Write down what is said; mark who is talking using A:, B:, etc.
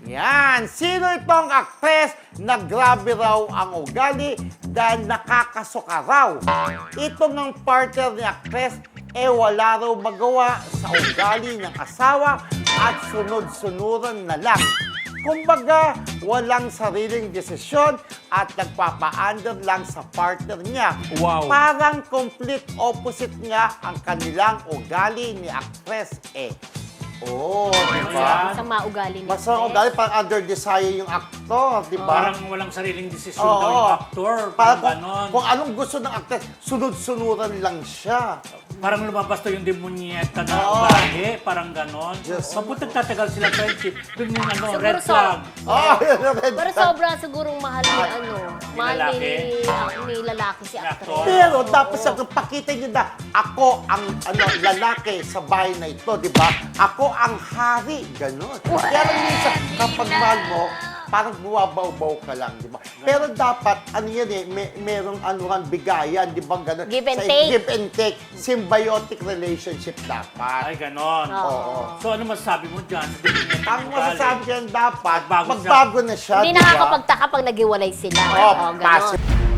A: Yan. Sino itong aktres na grabe raw ang ugali dahil nakakasuka raw? Ito ng partner ni aktres wala raw magawa sa ugali ng asawa at sunod-sunuran na lang. Kumbaga, walang sariling desisyon at nagpapa-under lang sa partner niya.
B: Wow.
A: Parang complete opposite nga ang kanilang ugali ni aktres Oh, di ba?
C: Masama ugali niya.
A: Masama ugali, parang under desire yung aktor, di ba?
B: Parang walang sariling desisyon daw yung actor.
A: Parang
B: Ganon.
A: kung anong gusto ng actress, sunod-sunuran lang siya.
B: Parang lumabas to yung demonyeta na
A: Oo.
B: ugali. Parang ganon.
A: Yes.
B: Mabuti tatagal sila friendship. Doon yung
C: Siguro
B: red
C: so.
B: flag.
A: Oh, red
C: Pero
A: flag.
C: sobra sigurong mahal ni mahal ni lalaki si actress.
B: actor.
A: Pero dapat sa pakita niyo na ako ang lalaki sa bahay na ito, di ba? Ako ang hari, gano'n. Pero minsan, kapag mahal mo, parang buwabaw-baw ka lang, di ba? Pero dapat, merong bigayan, di ba? Gano'n.
C: Give and take.
A: Give and take. Symbiotic relationship dapat.
B: Ay, ganon.
A: Oo.
B: So, ano masasabi mo dyan?
A: Ang masasabi dyan dapat,
B: Magbago
A: magbago na siya,
C: Hindi
A: di ba?
C: nakakapagtaka pag naghiwalay sila.
A: Oh,
C: ganon.
A: passive.